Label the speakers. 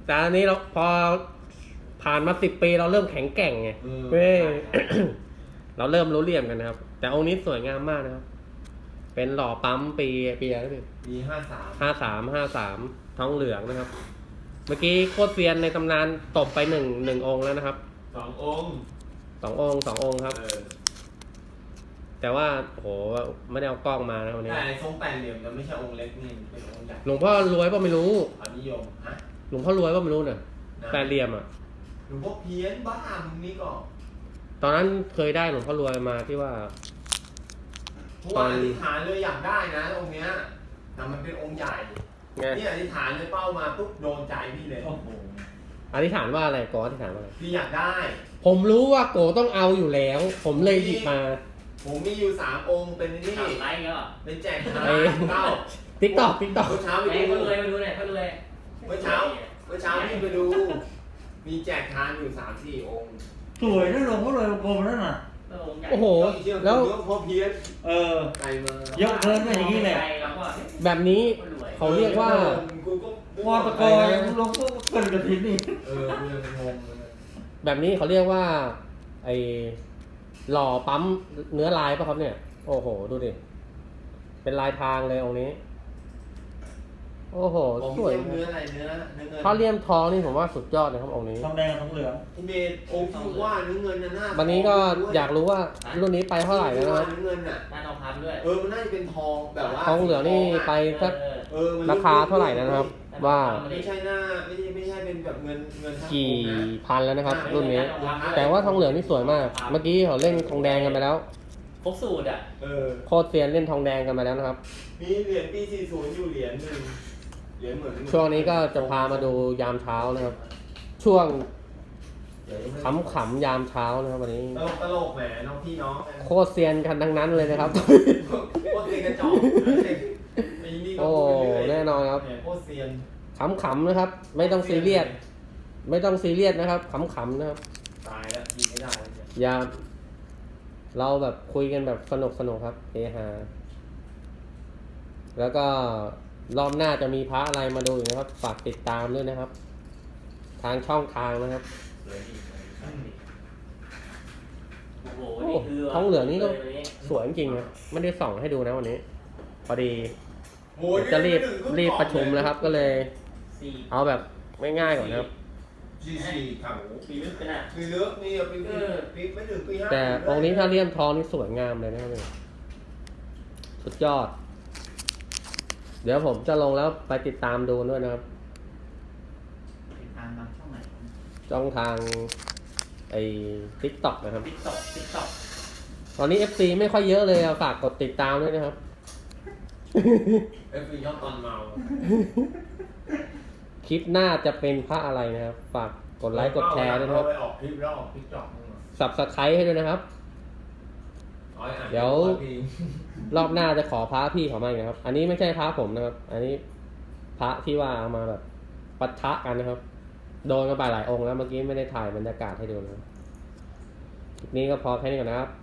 Speaker 1: แต่อันนี้เราพอผ่านมา10 ปีเราเริ่มแข็งแกร่งไงเว้ย เราเริ่มรู้เหลี่ยมกันนะครับ แต่องค์นี้สวยงามมากนะครับ เป็นหล่อปั๊มปีอะไรพี่
Speaker 2: ปี
Speaker 1: 53ทองเหลืองนะครับ เมื่อกี้โคตรเซียนในตำนานตบไปหนึ่งองค์แล้วนะครับ
Speaker 2: 2 องค์
Speaker 1: สององค์ครับ แต่ว่าโหไม่ได้เอากล้องมานะวันนี้
Speaker 2: แต่ทรงแปดเหลี่ยมจะไม่ใช่องค์เล็กนี่เป็นองค์ใหญ่
Speaker 1: หลวงพ่อรวยป่ะไม่รู้
Speaker 2: ความนิยมฮะ
Speaker 1: หลวงพ่อรวยป่ะไม่รู้เนี่ยแปดเหลี่ยมอ่ะ
Speaker 2: หลวงพ่อเพี้ยนบ้ามึงนี่ก็
Speaker 1: ตอนนั้นเคยได้หลวงพ่อรวยมาที่ว่า
Speaker 2: เพราะว่าอธิษฐานเลยอยากได้นะองค์เนี้ยแต่มันเป็นองค์ใหญ่
Speaker 1: ไง
Speaker 2: นี่อธิษฐานเลยเป้ามาปุ๊บโดนใจพี่เลย
Speaker 3: โอ้โห
Speaker 1: อธิษฐานว่าอะไรก่อนอธิษฐานว่าอะไร
Speaker 2: พี่อยากได้
Speaker 1: ผมรู้ว่าโกต้องเอาอยู่แล้ว ผมเลยหยิบมา
Speaker 2: ผมมีอยู่3 องค์เป็นนี่
Speaker 3: ทำไรเงี้ยหรอ
Speaker 2: เป็นแจกทาน
Speaker 1: เอ้ย
Speaker 2: เก้า
Speaker 1: ติ๊กตอก
Speaker 2: เมื่อเช้าไป
Speaker 3: ไอ้
Speaker 2: ดู
Speaker 3: เขาเลยมาดูเนี่ยเขาเลย
Speaker 2: เมื่อเช้าพี่ไปดู มีแจกทานอยู่3-4 องค์
Speaker 3: สวยนะหลวงพ่อเลยกลมนั่นน่ะ
Speaker 1: โอ้โห
Speaker 2: แล้
Speaker 1: แล้ว
Speaker 2: วพ่อเพี้ยน
Speaker 3: เออ
Speaker 2: ไกลมา
Speaker 3: เยอะเกินไปอย่างนี้เลย
Speaker 1: แบบนี้เขาเรียกว่า
Speaker 2: กูก็
Speaker 3: วอตะกอยหลวงพ่อเกินกระถิ่นนี่
Speaker 2: กูยังงงเลย
Speaker 1: แบบนี้เขาเรียกว่า ไอหล่อปั๊มเนื้อลายป่ะครับเนี่ย โอ้โห ดูดิ เป็นลายทางเลยองค์นี้ โอ้โห
Speaker 2: ผม
Speaker 1: สวย
Speaker 2: เนื้ออะไรเนื้อเงิน
Speaker 1: ถ้าเลี่ยมทองนี่ผมว่าสุดยอดนะครับองค์นี้
Speaker 3: ทองแดงกับทองเหลือง
Speaker 2: ที่เมดองค์ที่ว่าเนื้อเงินน่ะหน้า
Speaker 1: วันนี้ก็อยากรู้ว่ารุ่นนี้ไปเท่าไหร่แล้วนะครับ
Speaker 2: เนื้อเงินน่ะ
Speaker 3: หน้าทองคำด้วย
Speaker 2: มันน่าจะเป็นทองแบบว่า
Speaker 1: ทองเหลืองนี่ไปสัก
Speaker 2: มัน
Speaker 1: ราคาเท่าไหร่นะครับ ว่า
Speaker 2: ไม่ใช่หน้าไม่ใช่เป็นแบบเงินทั้ง
Speaker 1: กี่
Speaker 2: องค์นะ
Speaker 1: พันแล้วนะครับ รุ่นนี้ แต่ว่าทองเหลืองนี่สวยมาก เมื่อกี้เขาเล่นทองแดงกันไปแล้ว
Speaker 3: ครบสูตรอ่ะ
Speaker 1: โคตรเซียนเล่นทองแดงกันไปแล้วนะครับ
Speaker 2: มีเหรียญปี40อยู่เหรียญหนึ่งเหรียญเหมือน
Speaker 1: ช่วงนี้ก็จะพามาดูยามเช้านะครับ ช่วงขำๆยามเช้านะครับวันนี้
Speaker 2: ตลกแหมน้องพี่น้อง
Speaker 1: โคตรเซียนกันทั้งนั้นเลยนะครับ
Speaker 2: โคตรเซียนกระจอกไอ้นี่ก็
Speaker 1: โอ้
Speaker 2: พูดไปเรื่อย
Speaker 1: แน่นอนครับ
Speaker 2: แหมโคตรเซียน
Speaker 1: ขำๆนะครับ ไม่ต้องซีเรียส ไม่ต้องซีเรียสนะครับขำๆนะครับ
Speaker 2: ตายแล้วยิงไม่ได้แล้วเนี่ย
Speaker 1: อย่าเราแบบคุยกันแบบสนุกครับเฮฮาแล้วก็รอบหน้าจะมีพระอะไรมาดูอีกนะครับฝากติดตามด้วยนะครับ ทางช่องทางนะครับ
Speaker 3: โอ้โห
Speaker 1: โอ้ทองเหลืองนี่ก็สวยจริงๆนะไม่ได้ส่องให้ดูนะวันนี้ พอดี
Speaker 2: โอ้ย
Speaker 1: จะรีบประชุมแล้วครับ ก็เลย
Speaker 3: สี่
Speaker 1: เอาแบบง่ายๆก่อนนะครับ
Speaker 2: สี่ครับ
Speaker 3: ปีลึกไปน่ะ
Speaker 2: ปีเลือกนี่ปีไม่ถึงปี 5
Speaker 1: แต่องค์นี้ถ้าเลี่ยมทองนี่สวยงามเลยนะครับเนี่ยสุดยอด เดี๋ยวผมจะลงแล้วไปติดตามดูด้วยนะครับ
Speaker 3: ติดตามทางช่องไหน
Speaker 1: ช่องทางไอ้ TikTok นะครับ
Speaker 3: ติ๊กต็อก
Speaker 1: ตอนนี้ FC ไม่ค่อยเยอะเลยฝากกดติดตามด้วยนะครับ
Speaker 2: FB ชอบตอนเมา
Speaker 1: คลิปหน้าจะเป็นพระอะไรนะครับ ฝากกดไลค์กดแชร์ด้วยนะครับ
Speaker 2: ไปออกคลิปแล้วออกทิกจอก
Speaker 1: Subscribe ให้ด้วยนะครับ เดี๋ยว รอบหน้าจะขอพระพี่เขามาอีกนะครับ อันนี้ไม่ใช่พระผมนะครับ อันนี้พระที่ว่าเอามาแบบปะทะกันนะครับ โดนกันไปหลายองค์แล้วเมื่อกี้ไม่ได้ถ่ายบรรยากาศให้ดูนะครับคลิปนี้ก็พอแค่นี้ก่อนนะครับ